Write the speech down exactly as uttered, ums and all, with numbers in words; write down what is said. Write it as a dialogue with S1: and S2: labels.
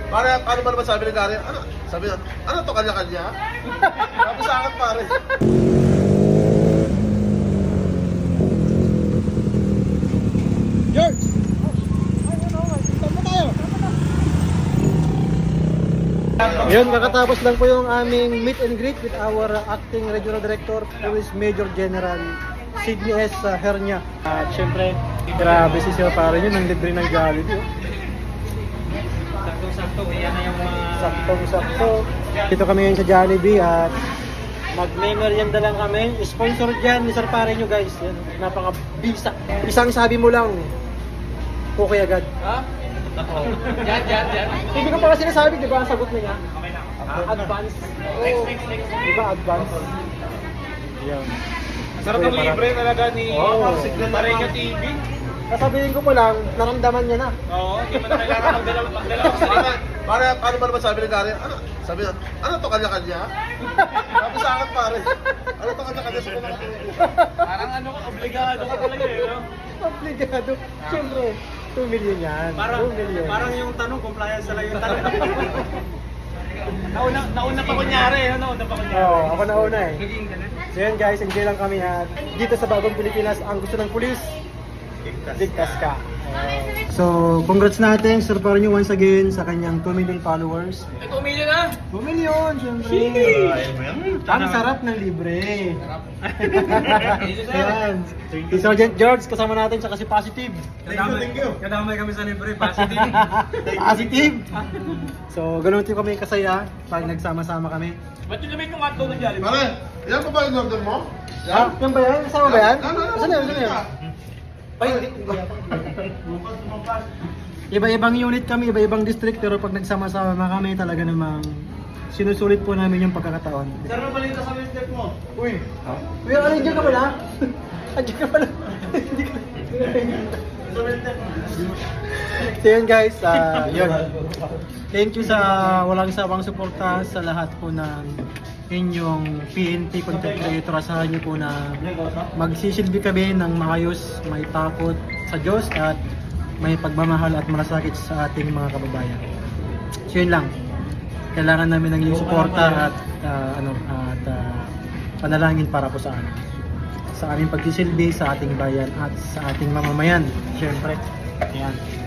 S1: Pare, ano ba naman sabi ni Gary? Ano? Sabi niya, ano to kanya-kanya? Sabi sa akin pare.
S2: George! Yun, kakatapos lang po yung aming meet and greet with our uh, acting regional director, Police Major General Sidney S. uh, Hernia. At syempre, grabe si Sir Pare yun, ang libre ng Jollibee. Oh.
S3: Saktong-sakto, yan na yung mga...
S2: Saktong-sakto. Dito kami ngayon sa Jollibee at mag-merienda lang kami. Sponsor dyan ni Sir Pare nyo guys. Yan, napaka-bisa. Isang sabi mo lang, okay agad.
S3: Ha? Oo. Yan, yan, yan.
S2: Hindi ko pa kasi sinasabi, di ba? Ang sagot na niya.
S3: Okay na.
S2: Advance.
S3: Next, next, next.
S2: Di ba? Advance. Yan.
S3: Sarap ng libre talaga ni
S2: Oo.
S3: Pareño T V.
S2: Sasabihin ko pa lang, naramdaman niya na.
S3: Oo, hindi mo na kailangan magdala magdala sa
S1: Pare, pare, ano ba naman sabi ni Gary? Ano? Sabi niya, ano to kanya-kanya? Sabi sa akin pare. Ano to kanya-kanya sa kumakain?
S3: Parang ano, obligado ka talaga eh, no?
S2: Obligado. Siyempre, two million yan.
S3: Parang,
S2: two million.
S3: parang yung tanong, compliance na lang yung tanong. nauna, nauna pa kunyari, no? Nauna pa kunyari.
S2: Oo, ako na una eh.
S3: Naging ganun.
S2: So yan guys, enjoy lang kami at dito sa Bagong Pilipinas, ang gusto ng pulis, ligtas ka. So, congrats natin Sir Pareño once again sa kanyang two million followers.
S3: Eh, two million na!
S2: two million, syempre. Ang sarap ng libre. Ayan. Si Sergeant George kasama natin sa kasi positive.
S3: Kadamay, kadamay kami sa libre, positive.
S2: Positive. So, ganun din kami kasaya pag nagsama-sama kami.
S3: Ba't yung lamig yung hotdog ng Jollibee?
S1: Pare, yan pa ba yung order mo?
S2: Ah, yan ba yan? Kasama ba yan?
S1: Ano, ano,
S2: Saan yan? Saan yan? Ay, iba-ibang unit kami, iba-ibang district, pero pag nagsama-sama kami talaga namang sinusulit po namin yung pagkakataon.
S3: Sir, ano balita sa step mo?
S2: Uy! Uy, ano, nandiyan ka pala? Nandiyan ka pala? Hindi ka... So yun guys, uh, yun. Thank you sa walang sawang suporta sa lahat po ng inyong P N P content creator. Asahan nyo po na magsisilbi kami ng maayos, may takot sa Diyos at may pagmamahal at malasakit sa ating mga kababayan. So yun lang. Kailangan namin ng inyong suporta at uh, ano at uh, panalangin para po sa amin. Sa aming pagsisilbi sa ating bayan at sa ating mamamayan. Siyempre. Ayan.